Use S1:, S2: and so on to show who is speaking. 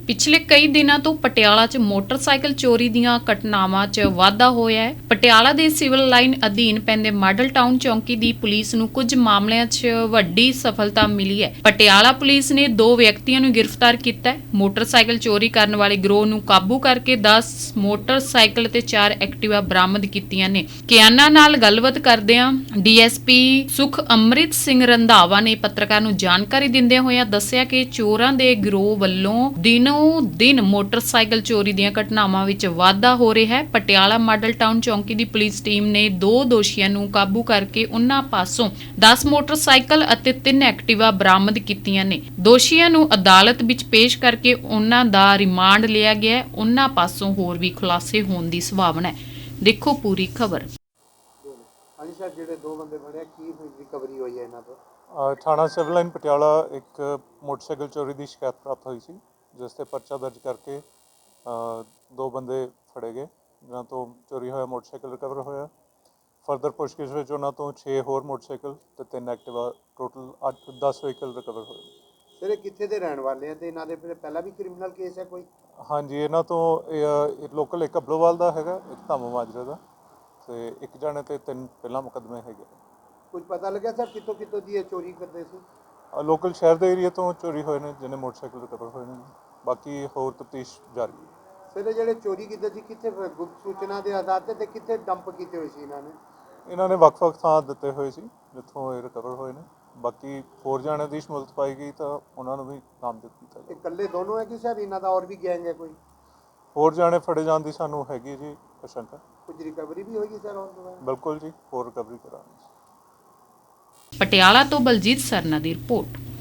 S1: ਪਿਛਲੇ ਕਈ ਦਿਨਾਂ ਤੋਂ ਪਟਿਆਲਾ 'ਚ ਮੋਟਰਸਾਈਕਲ ਚੋਰੀ ਦੀਆਂ ਘਟਨਾਵਾਂ 'ਚ ਵਾਧਾ ਹੋਇਆ ਹੈ। ਪਟਿਆਲਾ ਦੇ ਸਿਵਲ ਲਾਈਨ ਅਧੀਨ ਪੈਂਦੇ ਮਾਡਲ ਟਾਊਨ ਚੌਂਕੀ ਦੀ ਪੁਲਿਸ ਨੂੰ ਕੁਝ ਮਾਮਲਿਆਂ 'ਚ ਵੱਡੀ ਸਫਲਤਾ ਮਿਲੀ ਹੈ। ਪਟਿਆਲਾ ਪੁਲਿਸ ਨੇ 2 ਵਿਅਕਤੀਆਂ ਨੂੰ ਗ੍ਰਿਫਤਾਰ ਕੀਤਾ ਹੈ। ਮੋਟਰਸਾਈਕਲ ਚੋਰੀ ਕਰਨ ਵਾਲੇ ਗਿਰੋਹ ਨੂੰ ਕਾਬੂ ਕਰਕੇ 10 ਮੋਟਰਸਾਈਕਲ ਤੇ 4 ਐਕਟਿਵਾ ਬਰਾਮਦ ਕੀਤੀਆਂ ਨੇ। ਕਿਆਨਾ ਨਾਲ ਗੱਲਬਾਤ ਕਰਦਿਆਂ ਡੀਐਸਪੀ ਸੁਖ ਅੰਮ੍ਰਿਤ ਸਿੰਘ ਰੰਧਾਵਾ ਨੇ ਪੱਤਰਕਾਰ ਨੂੰ ਜਾਣਕਾਰੀ ਦਿੰਦਿਆਂ ਹੋਇਆਂ ਦੱਸਿਆ ਕਿ ਚੋਰਾਂ ਦੇ ਗਿਰੋਹ ਵੱਲੋਂ ਦਿਨੋਂ ਦਿਨ ਮੋਟਰਸਾਈਕਲ ਚੋਰੀ ਦੀਆਂ ਘਟਨਾਵਾਂ ਵਿੱਚ ਵਾਧਾ ਹੋ ਰਿਹਾ ਹੈ। ਪਟਿਆਲਾ ਮਾਡਲ ਟਾਊਨ ਚੌਂਕੀ ਦੀ ਪੁਲਿਸ ਟੀਮ ਨੇ 2 ਦੋਸ਼ੀਆਂ ਨੂੰ ਕਾਬੂ ਕਰਕੇ ਉਨ੍ਹਾਂ ਪਾਸੋਂ 10 ਮੋਟਰਸਾਈਕਲ ਅਤੇ 3 ਐਕਟਿਵਾ ਬਰਾਮਦ ਕੀਤੀਆਂ ਨੇ। ਦੋਸ਼ੀਆਂ ਨੂੰ ਅਦਾਲਤ ਵਿੱਚ ਪੇਸ਼ ਕਰਕੇ ਉਨ੍ਹਾਂ ਦਾ ਰਿਮਾਂਡ ਲਿਆ ਗਿਆ ਹੈ। ਉਨ੍ਹਾਂ ਪਾਸੋਂ ਹੋਰ ਵੀ ਖੁਲਾਸੇ ਹੋਣ ਦੀ ਸੰਭਾਵਨਾ ਹੈ। ਦੇਖੋ ਪੂਰੀ ਖਬਰ।
S2: ਹਾਂਜੀ ਸਰ, ਜਿਹੜੇ 2 ਬੰਦੇ ਫੜੇ ਕੀ ਰਿਕਵਰੀ ਹੋਈ ਹੈ ਇਹਨਾਂ ਤੋਂ?
S3: ਥਾਣਾ ਸਿਵਲ ਲਾਈਨ ਪਟਿਆਲਾ ਇੱਕ ਮੋਟਰਸਾਈਕਲ ਚੋਰੀ ਦੀ ਸ਼ਿਕਾਇਤ ਪ੍ਰਾਪਤ ਹੋਈ ਸੀ, ਜਿਸ 'ਤੇ ਪਰਚਾ ਦਰਜ ਕਰਕੇ 2 ਬੰਦੇ ਫੜੇ ਗਏ, ਜਿਨ੍ਹਾਂ ਤੋਂ ਚੋਰੀ ਹੋਇਆ ਮੋਟਰਸਾਈਕਲ ਰਿਕਵਰ ਹੋਇਆ। ਫਰਦਰ ਪੁੱਛਗਿੱਛ ਵਿੱਚ ਉਹਨਾਂ ਤੋਂ 6 ਹੋਰ ਮੋਟਰਸਾਈਕਲ ਤੇ 3 ਐਕਟਿਵਾ, ਟੋਟਲ 10 ਵਹੀਕਲ ਰਿਕਵਰ ਹੋਏ।
S2: ਸਰ ਇਹ ਕਿੱਥੇ ਦੇ ਰਹਿਣ ਵਾਲੇ ਆ ਤੇ ਇਹਨਾਂ ਦੇ ਪਹਿਲਾਂ ਵੀ ਕ੍ਰਿਮੀਨਲ ਕੇਸ ਹੈ ਕੋਈ?
S3: ਹਾਂਜੀ, ਇਹਨਾਂ ਤੋਂ ਲੋਕਲ ਇੱਕ ਅਬਲੋਵਾਲ ਦਾ ਹੈਗਾ, ਇੱਕ ਧਾਮਾ ਮਾਜਰੇ ਦਾ, ਤੇ ਇੱਕ ਜਾਣੇ ਤੇ 3 ਪਹਿਲਾਂ ਮੁਕੱਦਮੇ ਹੈਗੇ।
S2: ਕੁਝ ਪਤਾ ਲੱਗਿਆ ਸਰ ਕਿੱਥੋਂ ਕਿੱਥੋਂ ਦੀ ਇਹ ਚੋਰੀ ਕਰਦੇ ਸੀ?
S3: ਲੋਕਲ ਸ਼ਹਿਰ ਦੇ ਏਰੀਆ ਤੋਂ ਚੋਰੀ ਹੋਏ ਨੇ, ਜਿਹਨੇ ਮੋਟਰਸਾਈਕਲ ਰਿਕਵਰ ਹੋਏ ਨੇ। ਬਾਕੀ ਹੋਰ ਤਫਤੀਸ਼ ਜਾਰੀ ਹੈ।
S2: ਸਰ ਇਹ ਜਿਹੜੇ ਚੋਰੀ ਕੀਤੇ ਸੀ ਕਿੱਥੇ ਗੁਪਤ ਸੂਚਨਾ ਦੇ ਆਧਾਰ ਤੇ ਕਿੱਥੇ ਡੰਪ ਕੀਤੇ ਹੋਏ ਸੀ ਇਹਨਾਂ ਨੇ?
S3: ਇਹਨਾਂ ਨੇ ਵੱਖ-ਵੱਖ ਥਾਂ ਦਿੱਤੇ ਹੋਏ ਸੀ ਜਿੱਥੋਂ ਇਹ ਰਿਕਵਰ ਹੋਏ ਨੇ। ਬਾਕੀ ਹੋਰ ਜਾਣਿਆਂ ਦੀ ਸ਼ਮੂਲੀਅਤ ਪਾਈ ਗਈ ਤਾਂ ਉਹਨਾਂ ਨੂੰ ਵੀ ਨਾਮਜ਼ਦ ਕੀਤਾ
S2: ਇਹ
S3: ਜਾਵੇ।
S2: ਇਕੱਲੇ ਦੋਨੋਂ ਹੈ ਕਿ ਸਰ ਇਹਨਾਂ ਦਾ ਹੋਰ ਵੀ ਗੈਂਗ ਹੈ ਕੋਈ?
S3: ਹੋਰ ਜਾਣੇ ਫੜੇ ਜਾਣ ਦੀ ਸਾਨੂੰ ਹੈਗੀ ਜੀ ਆਸ਼ੰਕਾ।
S2: ਕੁਝ ਰਿਕਵਰੀ ਵੀ ਹੋਏਗੀ ਸਰ ਹੁਣ ਤੋਂ?
S3: ਬਿਲਕੁਲ ਜੀ, ਹੋਰ ਰਿਕਵਰੀ ਕਰਾਂਗੇ।
S1: ਪਟਿਆਲਾ ਤੋਂ ਬਲਜੀਤ ਸਰਨਾ ਦੀ ਰਿਪੋਰਟ।